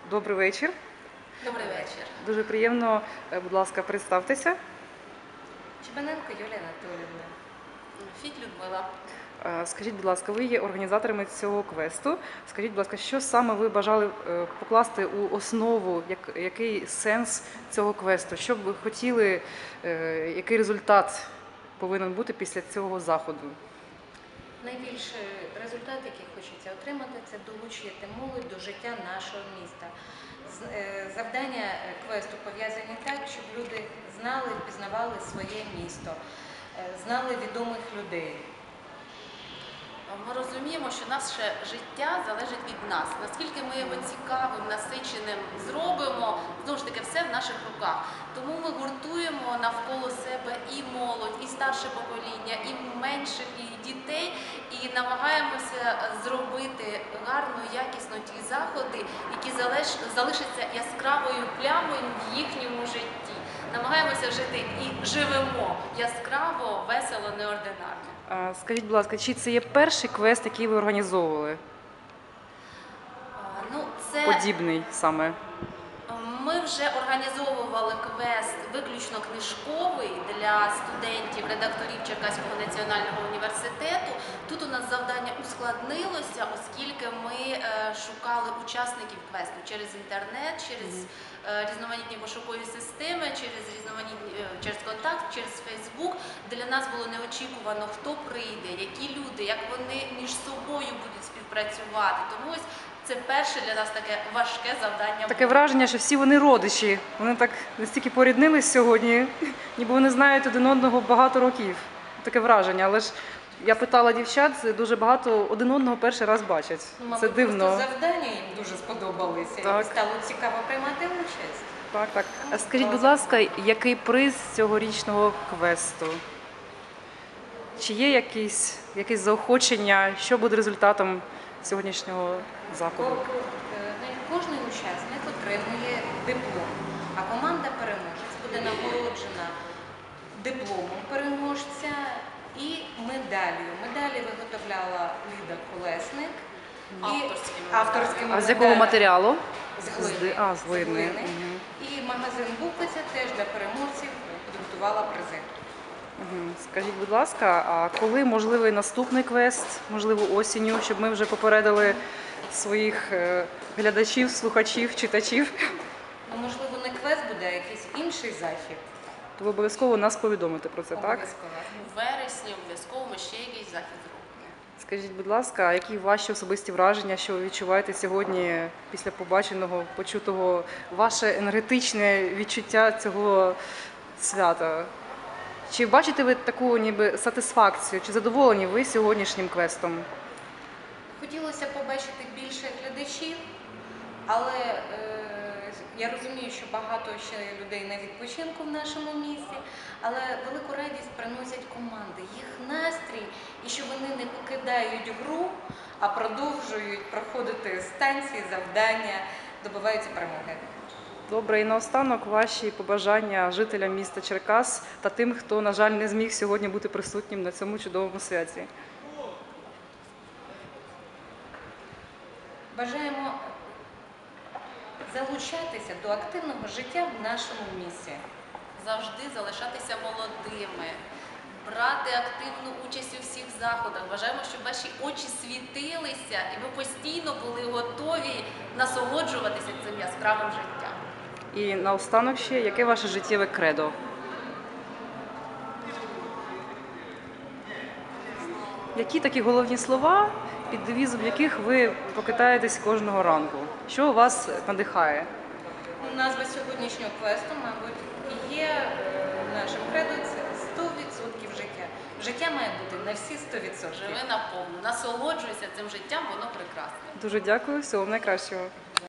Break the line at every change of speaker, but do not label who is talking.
Добрий вечір.
Добрий вечір.
Дуже приємно, будь ласка, представтеся.
Чебаненко Юлія Анатоліївна. Фіт Людмила.
Скажіть, будь ласка, ви є організаторами цього квесту. Скажіть, будь ласка, що саме ви бажали покласти у основу, який сенс цього квесту? Що б ви хотіли, який результат повинен бути після цього заходу?
Найбільший результат, який хочеться отримати, це долучити молодь до життя нашого міста. Завдання квесту пов'язані так, щоб люди знали, впізнавали своє місто, знали відомих людей.
Ми розуміємо, що наше життя залежить від нас. Наскільки ми його цікавим, насиченим зробимо, знову ж таки, все в наших руках. Тому ми гуртуємо навколо себе і молодь, і старше покоління, і менших, і дітей, і намагаємося зробити гарно, якісно ті заходи, які залишаться яскравою плямою в їхньому житті. Намагаємося жити і живемо яскраво, весело, неординарно.
Скажіть, будь ласка, чи це є перший квест, який ви організовували? Подібний саме?
Ми вже організовували квест виключно книжковий для студентів, редакторів Черкаського національного університету. Тут у нас завдання ускладнилося, оскільки ми шукали учасників квесту через інтернет, через різноманітні пошукові системи, через контакт, через Фейсбук. Для нас було неочікувано, хто прийде, які люди, як вони між собою будуть співпрацювати. Тому ось це перше для нас таке важке завдання.
Таке враження, що всі вони родичі. Вони так настільки поріднились сьогодні, ніби вони знають один одного багато років. Таке враження. Але ж я питала дівчат, дуже багато один одного перший раз бачать. Це дивно.
Просто завдання їм дуже сподобалися.
Так.
І стало цікаво приймати участь.
Так, так. А скажіть, будь ласка, який приз цьогорічного квесту? Чи є якесь заохочення, що буде результатом сьогоднішнього заходу?
Кожний учасник отримує диплом, а команда переможець буде нагороджена дипломом переможця і медаллю. Медалі виготовляла Ліда Колесник. Авторськими
А з якого матеріалу?
З глини.
З глини.
І магазин Буквиця теж для переможців підготувала призи.
Скажіть, будь ласка, а коли можливий наступний квест, можливо осінню, щоб ми вже попередили своїх глядачів, слухачів, читачів?
Можливо, не квест буде, а якийсь інший захід.
То ви обов'язково нас повідомите про це, так?
Обов'язково.
У вересні обов'язково ми ще якийсь захід зробимо.
Скажіть, будь ласка, а які ваші особисті враження, що ви відчуваєте сьогодні після побаченого, почутого, ваше енергетичне відчуття цього свята? Чи бачите ви таку ніби сатисфакцію, чи задоволені ви сьогоднішнім квестом?
Хотілося побачити більше глядачів, але я розумію, що багато ще людей на відпочинку в нашому місті, але велику радість приносять команди, їх настрій, і що вони не покидають гру, а продовжують проходити станції, завдання, добиваються перемоги.
Добре, і наостанок ваші побажання жителям міста Черкас та тим, хто, на жаль, не зміг сьогодні бути присутнім на цьому чудовому святі.
Бажаємо залучатися до активного життя в нашому місті.
Завжди залишатися молодими, брати активну участь у всіх заходах. Бажаємо, щоб ваші очі світилися і ви постійно були готові насолоджуватися цим яскравим життям.
І наостанок ще, яке ваше життєве кредо? Які такі головні слова, під девізом яких ви покитаєтесь кожного ранку? Що вас надихає?
Назва сьогоднішнього квесту, мабуть, є нашим кредо – це 100% життя. Життя має бути на всі 100%.
Живи наповну, насолоджуйся цим життям, воно прекрасне.
Дуже дякую, всього найкращого.